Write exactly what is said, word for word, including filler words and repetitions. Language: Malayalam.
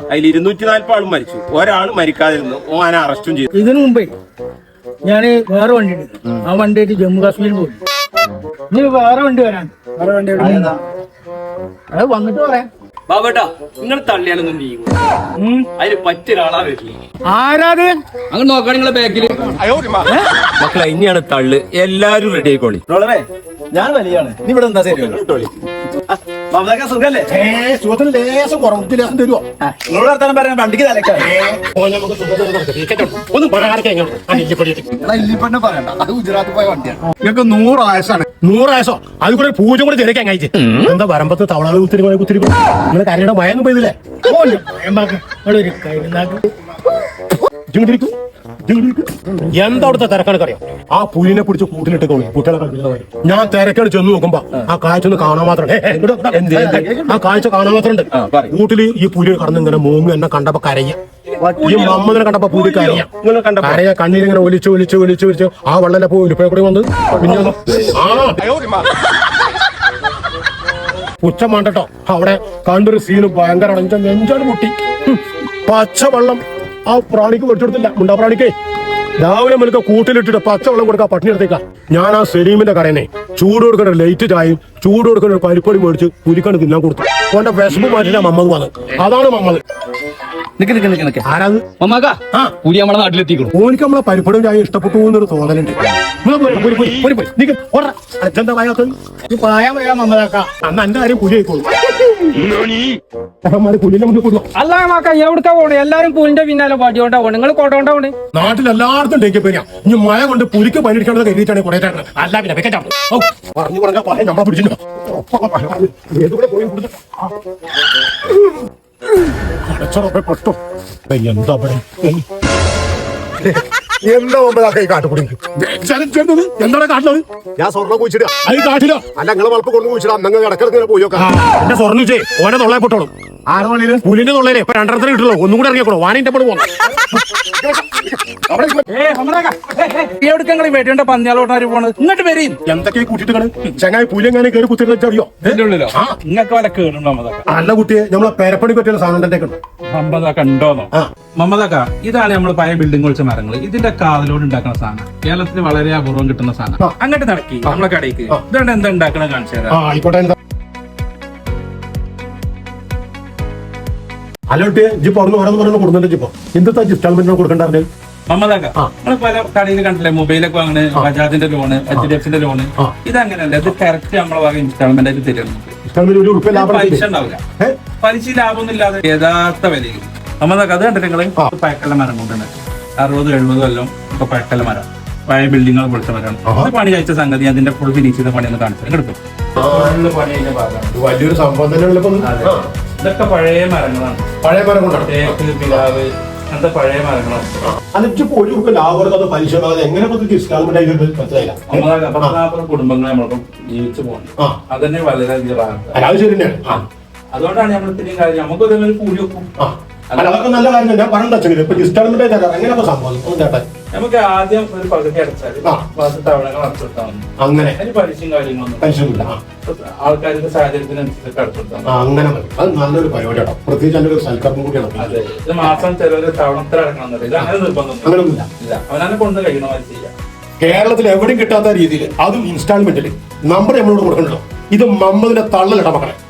അതിൽ ഇരുന്നൂറ്റി നാല്പത് ആളും മരിച്ചു, ഒരാൾ മരിക്കാതിരുന്നു. ഓനെ അറസ്റ്റും ചെയ്തു. ഇതിനു മുമ്പേ ഞാന് വേറെ വണ്ടി എടുത്തു. ആ വണ്ടിയായിട്ട് ജമ്മു കാശ്മീർ പോയി. ഇനി വേറെ വണ്ടി വരാൻ വേറെ വണ്ടി അത് വന്നിട്ട് പറയാം. ബാബേട്ടാ, നിങ്ങൾ തള്ളിയാലൊന്നും നീങ്ങും. അതിന് പറ്റിയ ഒരാളാ വരില്ല. ആരാത് അങ്ങനെ നോക്കാം നിങ്ങളെ ബാക്കില്. മക്കളെ ഇനിയാണ് തള്ളു, എല്ലാരും റെഡി ആയിക്കോളി. ഞാൻ വലിയാണ്. നീ ഇവിടെ എന്താ ശരി സുഖല്ലേ? സുഖത്തിന് ലേശം കുറവ് ലേശം തരുമോ? നിങ്ങളോട് വർത്താനം പറയാൻ വണ്ടിക്ക് ഇല്ലിപ്പന്നെ പറയണ്ട, അത് ഗുജറാത്തിൽ പോയ വണ്ടിയാണ്. നിങ്ങൾക്ക് നൂറ് ആയസാണ്. നൂറ് ആയസോ അത് കൂടെ പൂജ കൂടെ തിരക്കാൻ കഴിച്ച് എന്താ വരമ്പത്ത് തവള കുത്തിരി കുത്തിരി നിങ്ങള് കരയുടെ മയൊന്നും പോയതില്ലേ? എന്താ അവിടുത്തെ തിരക്കാണ് അറിയാം? ആ പുലിനെ പിടിച്ച് കൂട്ടിലിട്ട് കുട്ടികളെ ഞാൻ തിരക്കാണ് ചെന്ന് നോക്കുമ്പോ ആ കാഴ്ച ഒന്ന് കാണാൻ മാത്രം ആ കാഴ്ച കാണാൻ മാത്രമുണ്ട്. കൂട്ടില് ഈ പുലി കടന്ന് ഇങ്ങനെ മൂങ്ങി എന്നെ കണ്ടപ്പോ കരയ, ഈ മമ്മതിനെ കണ്ടപ്പോ പുലി കരയ കരയ കണ്ണീരിങ്ങനെ ഒലിച്ച് ഒലിച്ച് ഒലിച്ച് ഒലിച്ച് ആ വെള്ളം പോയി ഉലിപ്പയെ കൂടി വന്ന് പിന്നെ ഉച്ച മാണ്ടട്ടോ അവിടെ കണ്ടൊരു സീന് ഭയങ്കര നെഞ്ചാണ് മുട്ടി. പച്ചവെള്ളം ആ പ്രാണിക്ക് കൊടുത്തില്ല, മുണ്ടാ പ്രാണിക്കേ രാവിലെ മുതൽക്ക് കൂട്ടിലിട്ടിട്ട് പച്ചവെള്ളം കൊടുക്കാ പട്ടിണി എടുത്തേക്കാ. ഞാൻ ആ സെലീമിന്റെ കടയനെ ചൂട് കൊടുക്കുന്ന ലൈറ്റ് ചായയും ചൂട് കൊടുക്കുന്ന ഒരു പരിപ്പൊടി മേടിച്ച് പുലിക്കണ് തിന്നാൻ കൊടുത്തു. ഓന്റെ വിശപ്പ് മാറ്റില്ല മമ്മത് വന്ന്. അതാണ് മമ്മത്. ആരാത്? പുലി നമ്മളെ നാട്ടിലെത്തിക്കണം. ഓനിക്ക് നമ്മളെ പരിപ്പൊടിയും ചായ ഇഷ്ടപ്പെട്ടു എന്നൊരു തോന്നലുണ്ട്. അന്ന് എന്റെ കാര്യം പുലി ആയിക്കോളൂ. പുലിന്റെ മുന്നിൽ കൊടുക്കും. അല്ല മാക്ക എവിടുക്കാ പോണേ? എല്ലാരും പുലിന്റെ പിന്നാലെ പടിയോണ്ടാ പോണേ. നിങ്ങൾ കൊണ്ടോണ്ടാ പോണേ? നാട്ടിൽ എല്ലായിടത്തും ഡെങ്കി പനിയാ. ഇനി മഴ കൊണ്ട് പുലിക്ക് പനിയെടുക്കേണ്ടത് കരുതിയിട്ടാണ് കുറെ അല്ല പിന്നെ വെക്കറ്റാണ് പറഞ്ഞു പറഞ്ഞാൽ പറയാൻ നമ്മളെ പിടിച്ചില്ല. പെട്ടോ എന്താ എന്താ ഒമ്പതാ കാട്ടുകൂടി എന്താണ് കാട്ടിലത്? ഞാൻ സ്വർണ്ണം കുഴിച്ചിടുക. അത് കാട്ടിലോ? അല്ല നിങ്ങളെ വളപ്പ് കൊണ്ട് കുഴിച്ചിടാ. നിങ്ങൾ ഇടക്കിടക്ക് പോയോക്കാം. എന്റെ സ്വർണ്ണം വെച്ചേ ഓനെ തൊള്ളയെ പൊട്ടോളും. ആറ് പുലിന്റെ തൊള്ളേനെ ഇപ്പൊ രണ്ടരത്തിന് കിട്ടുള്ളൂ. ഒന്നും കൂടെ ഇറങ്ങിക്കോളൂ. വാണിന്റെ പോലും പോകണം. വേട്ടേണ്ട പന്നിയാലോട്ടാര് പോണത് ഇങ്ങോട്ട് വരും. എന്തൊക്കെ കൂട്ടിട്ട് ചങ്ങായി പുലി എങ്ങനെ കയറി കുത്തിട്ട് അറിയോ? നിങ്ങൾക്ക് വല്ല കേടുണ്ടോ? അല്ല കുട്ടിയെ നമ്മളെ പേരപ്പണി പറ്റിയുള്ള സാധനം തന്നെ മമ്മദാക്ക ഉണ്ടോന്നോ? മമ്മദാക്ക, ഇതാണ് നമ്മൾ പഴയ ബിൽഡിംഗ് കുളിച്ച മരങ്ങൾ. ഇതിന്റെ കാതലോട് ഉണ്ടാക്കുന്ന സാധനം കേരളത്തിൽ വളരെ അപൂർവം കിട്ടുന്ന സാധനം. അങ്ങോട്ട് നടക്കി നമ്മളെ കടയ്ക്ക് ഇതുകൊണ്ട് എന്താ ഉണ്ടാക്കണ കാണിച്ചു തരാം. ആയിക്കോട്ടെ. അല്ലോട്ട് ജി പറഞ്ഞു ഓരോന്ന് പറഞ്ഞു കൊടുക്കുന്നുണ്ട്. ജിപ്പോ എന്തൊക്കെ ഇൻസ്റ്റാൾമെന്റ് കൊടുക്കണ്ടായിരുന്നു? മമ്മദാക്ക, നമ്മൾ പല കടയിൽ കണ്ടില്ലേ മൊബൈലൊക്കെ വാങ്ങണ്, ബജാജിന്റെ ലോണ്, എച്ച് ഡി എഫിന്റെ ലോണ്. ഇതങ്ങനെയല്ല, ഇത് കറക്റ്റ് നമ്മളെ വക ഇൻസ്റ്റാൾമെന്റ് ആയിട്ട് തരുന്നുണ്ട്. പലിശ ഉണ്ടാവില്ല, പലിശ ലാഭമൊന്നും ഇല്ലാതെ യഥാർത്ഥ വിലയിൽ. മമ്മദാക്ക, അത് കണ്ടിട്ട് നിങ്ങള് പഴക്കല്ല മരം കൊണ്ടുണ്ട് അറുപത് എഴുപത് കൊല്ലം ഇപ്പൊ പഴക്കല്ല മരം, പഴയ ബിൽഡിങ്ങുകൾ പൊളിച്ച മരമാണ്. പണി കഴിച്ച സംഗതി അതിന്റെ ഫുൾ ഫിനിഷ് ചെയ്ത പണി ഒന്ന് കാണിച്ചു എടുക്കും. വലിയൊരു സംഭവം തന്നെ. ഇതൊക്കെ പഴയ മരങ്ങളാണ്. പഴയ മരം കൊണ്ടാണ് തേക്ക്, പിലാവ്, അങ്ങനത്തെ പഴയ മരങ്ങളാണ്. പതിനാൽപ്പത് കുടുംബങ്ങൾ നമ്മളിപ്പം ജീവിച്ചു പോകുന്നത്. അതന്നെ വളരെയധികം. അതുകൊണ്ടാണ് നമ്മൾ ഇത്രയും കാര്യം നമുക്ക് ഒരു കൂലി വെക്കും. അതൊക്കെ നല്ല കാര്യം. ഞാൻ പറഞ്ഞ സംഭവം നമുക്ക് ആദ്യം ഒരു പകുതി അടച്ചാൽ തവണകൾ അടച്ചെടുത്താൽ മതി. അങ്ങനെ പലിശയും കാര്യങ്ങളൊന്നും ആൾക്കാരുടെ സാഹചര്യത്തിനനുസരിച്ച് അടച്ചെടുത്താൽ അങ്ങനെ അത് നല്ലൊരു പരിപാടിയാണ്. പ്രത്യേകിച്ച് അതിന്റെ ഒരു സൽക്കരണം കൂടിയാണ്. അതെ, ഇത് മാസം ചിലവര് തവണത്തിൽ അടക്കണം. ഇത് അങ്ങനെ നിർബന്ധമൊന്നുമില്ല. അവനെ കൊണ്ട് കഴിയണ മാതിരി ചെയ്യാം. കേരളത്തിൽ എവിടെയും കിട്ടാത്ത രീതിയിൽ അതും ഇൻസ്റ്റാൾമെന്റിൽ നമ്പർ നമ്മളോട് കൊടുക്കണല്ലോ. ഇത് മമ്മതിന്റെ തള്ളലിട്ട മക്കളെ.